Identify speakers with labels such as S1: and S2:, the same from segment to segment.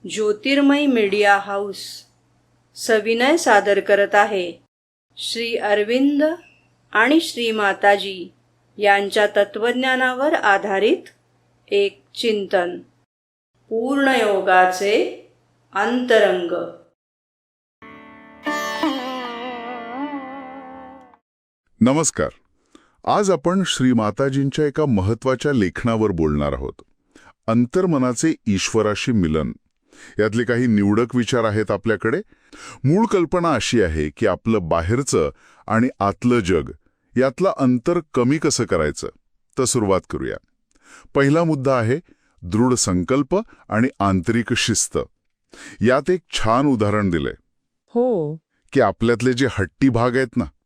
S1: ज्योतिर्मय media house सविनय सादर करत आहे श्री अरविंद आणि श्री माताजी यांच्या तत्वज्ञानावर आधारित एक चिंतन, पूर्णयोगाचे अंतरंग.
S2: नमस्कार. आज आपण श्री माताजींच्या एका महत्वाच्या लेखनावर बोलणार आहोत. अंतर्मनाचे ईश्वराशी मिलन. यातले काही निवडक विचार आहेत आपल्याकडे. मूळ कल्पना अशी आहे की आपलं बाहेरचं आणि आतलं जग यातलं अंतर कमी कसं करायचं. तर सुरुवात करूया. पहिला मुद्दा आहे दृढ संकल्प आणि आंतरिक शिस्त. यात एक छान उदाहरण दिलंय.
S3: हो.
S2: की आपल्यातले जे हट्टी भाग आहेत ना,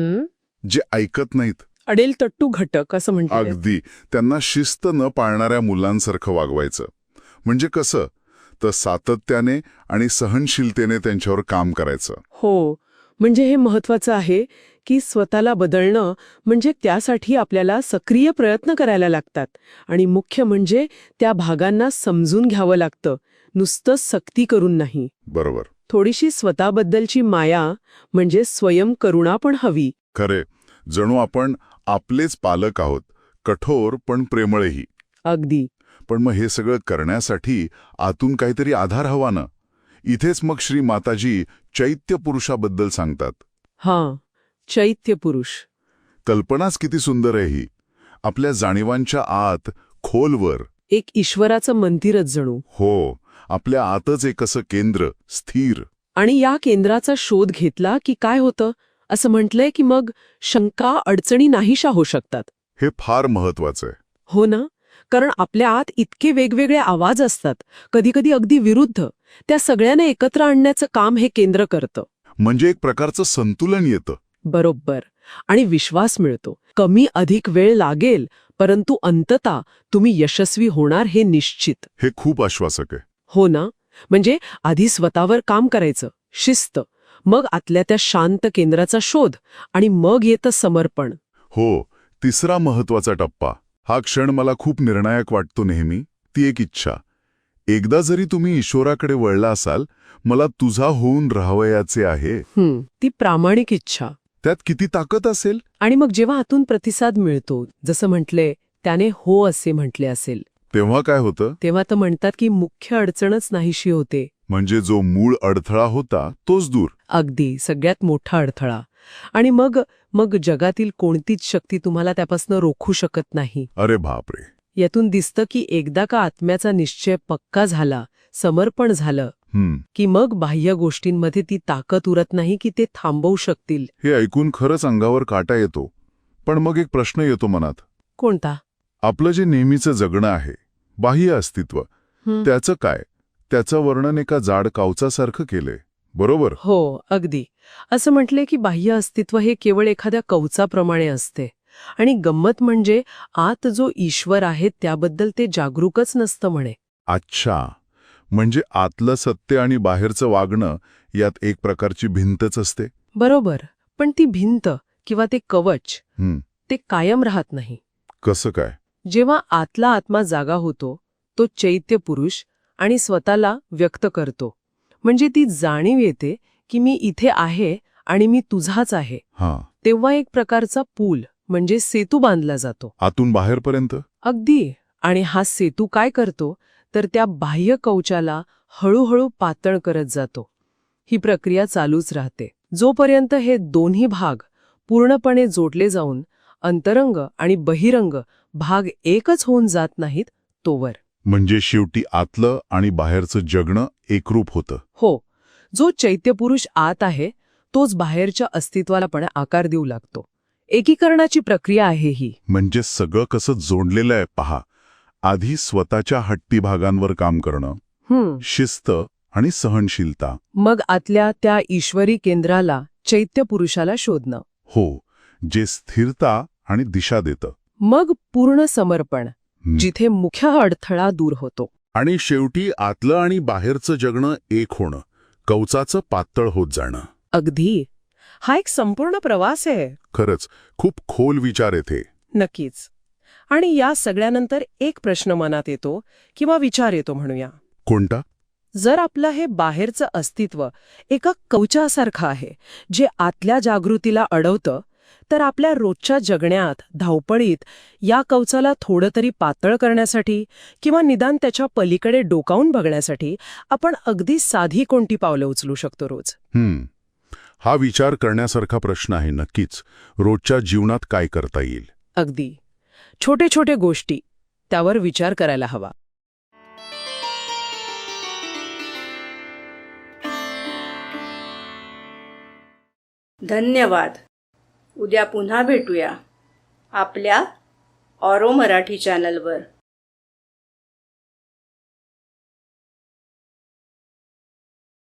S2: जे ऐकत नाहीत,
S3: अडेल तट्टू घटक असं म्हणतात.
S2: अगदी त्यांना शिस्त न पाळणाऱ्या मुलांसारखं वागवायचं. म्हणजे कसं, तर सातत्याने आणि सहनशीलतेने त्यांच्यावर काम करायचं.
S3: हो, म्हणजे हे महत्वाचं आहे की स्वतःला बदलणं म्हणजे त्यासाठी आपल्याला सक्रिय प्रयत्न करायला लागतात. आणि मुख्य म्हणजे त्या भागांना समजून घ्यावं लागतं, नुसतं सक्ती करून नाही.
S2: बरोबर.
S3: थोडीशी स्वतःबद्दलची माया म्हणजे स्वयंकरुणा पण हवी.
S2: खरे, जणू आपण आपलेच पालक आहोत, कठोर पण प्रेमळही.
S3: अगदी.
S2: पण मग हे सगळं करण्यासाठी आतून काहीतरी आधार हवा ना. इथेच मग श्री माताजी चैत्य पुरुषाबद्दल सांगतात.
S3: हां, चैत्य पुरुष.
S2: कल्पनाच किती सुंदर आहे ही. आपल्या जाणीवांच्या आत खोलवर
S3: एक ईश्वराचं मंदिरच जणू.
S2: हो, आपल्या आतच एक असं केंद्र स्थिर.
S3: आणि या केंद्राचा शोध घेतला की काय होतं, असं म्हटलंय की मग शंका अडचणी नाहीशा होऊ शकतात.
S2: हे फार महत्वाचं आहे.
S3: हो ना, कारण आपल्या आत इतके वेगवेगळे आवाज असतात, कधीकधी अगदी विरुद्ध. त्या सगळ्यांना एकत्र आणण्याचं काम हे केंद्र करतं.
S2: म्हणजे एक प्रकारचं संतुलन येतं.
S3: बरोबर. आणि विश्वास मिळतो. कमी अधिक वेळ लागेल, परंतु अंततः तुम्ही यशस्वी होणार हे निश्चित.
S2: हे खूप आश्वासक आहे.
S3: हो ना, म्हणजे आधी स्वतःवर काम करायचं, शिस्त, मग आतल्या त्या शांत केंद्राचा शोध, आणि मग येतं समर्पण.
S2: हो, तिसरा महत्वाचा टप्पा. हा क्षण मला खूप निर्णायक वाटतो नेहमी. ती एक इच्छा. एकदा जरी तुम्ही ईश्वराकडे वळला असाल, मला तुझा होऊन राहावयाचे आहे.
S3: ती प्रामाणिक इच्छा.
S2: त्यात किती ताकद असेल.
S3: आणि मग जेव्हा आतून प्रतिसाद मिळतो, जसं म्हटले त्याने हो असे म्हटले असेल,
S2: तेव्हा काय होतं?
S3: तेव्हा तर म्हणतात की मुख्य अडचणच नाहीशी होते.
S2: म्हणजे जो मूळ अडथळा होता तोच दूर.
S3: अगदी सगळ्यात मोठा अडथळा. आणि मग जगातील कोणतीच शक्ती तुम्हाला त्यापासून रोखू शकत नाही.
S2: अरे बापरे.
S3: यातून दिसतं की एकदा का आत्म्याचा निश्चय पक्का झाला, समर्पण झालं, की मग बाह्य गोष्टींमध्ये ती ताकद उरत नाही की ते थांबवू शकतील.
S2: हे ऐकून खरंच अंगावर काटा येतो. पण मग एक प्रश्न येतो मनात.
S3: कोणता?
S2: आपलं जे नेहमीचं जगणं आहे, बाह्य अस्तित्व, त्याचं काय? त्याचं वर्णन एका जाड कावचासारखं केलंय, बरोबर?
S3: हो, अगदी. असं म्हटले की बाह्य अस्तित्व हे केवळ एखाद्या कवचाप्रमाणे असते. आणि गंमत म्हणजे आत जो ईश्वर आहे त्याबद्दल ते जागरूकच नसतं म्हणे.
S2: अच्छा, म्हणजे आतलं सत्य आणि बाहेरचं वागणं यात एक प्रकारची भिंतच असते.
S3: बरोबर. पण ती भिंत किंवा ते कवच ते कायम राहत नाही.
S2: कसं काय?
S3: जेव्हा आतला आत्मा जागा होतो, तो चैत्य पुरुष आणि स्वतःला व्यक्त करतो. म्हणजे ती जाणीव येते की मी इथे आहे आणि मी तुझाच आहे. तेव्हा एक प्रकारचा पूल म्हणजे सेतू बांधला जातो
S2: आतून बाहेरपर्यंत.
S3: अगदी. आणि हा सेतू काय करतो तर त्या बाह्य कवचाला हळूहळू पातळ करत जातो. ही प्रक्रिया चालूच राहते जोपर्यंत हे दोन्ही भाग पूर्णपणे जोडले जाऊन अंतरंग आणि बहिरंग भाग एकच होऊन जात नाहीत तोवर.
S2: म्हणजे शेवटी आतलं आणि बाहेरचं जगणं एकरूप होतं.
S3: हो, जो चैत्यपुरुष आत आहे तोच बाहेरच्या अस्तित्वाला पण आकार देऊ लागतो. एकीकरणाची प्रक्रिया आहे ही.
S2: म्हणजे सगळं कसं जोडलेलं आहे पहा. आधी स्वतःच्या हट्टी भागांवर काम करणं, शिस्त आणि सहनशीलता.
S3: मग आतल्या त्या ईश्वरी केंद्राला चैत्यपुरुषाला शोधणं.
S2: हो, जे स्थिरता आणि दिशा देतं.
S3: मग पूर्ण समर्पण, जिथे मुख्य अडथळा दूर होतो.
S2: आणि शेवटी आतलं आणि बाहेरचं जगणं एक होणं, कवचाचं पातळ होत जाणं.
S3: अगदी. हा एक संपूर्ण प्रवास आहे.
S2: खरंच खूप खोल विचार येथे.
S3: नक्कीच. आणि या सगळ्यानंतर एक प्रश्न मनात येतो किंवा विचार येतो म्हणूया.
S2: कोणता?
S3: जर आपलं हे बाहेरचं अस्तित्व एका कवचासारखं आहे जे आतल्या जागृतीला अडवतं, तर आपल्या रोजच्या जगण्यात, धावपळीत या कवचाला थोडं तरी पातळ करण्यासाठी किंवा निदान त्याच्या पलीकडे डोकावून बघण्यासाठी आपण अगदी साधी कोणती पावलं उचलू शकतो रोज?
S2: हा विचार करण्यासारखा प्रश्न आहे नक्कीच. रोजच्या जीवनात काय करता येईल?
S3: अगदी छोटे छोटे गोष्टी, त्यावर विचार करायला हवा.
S1: धन्यवाद. उद्या पुन्हा भेटूया आपल्या ऑरो मराठी चॅनलवर.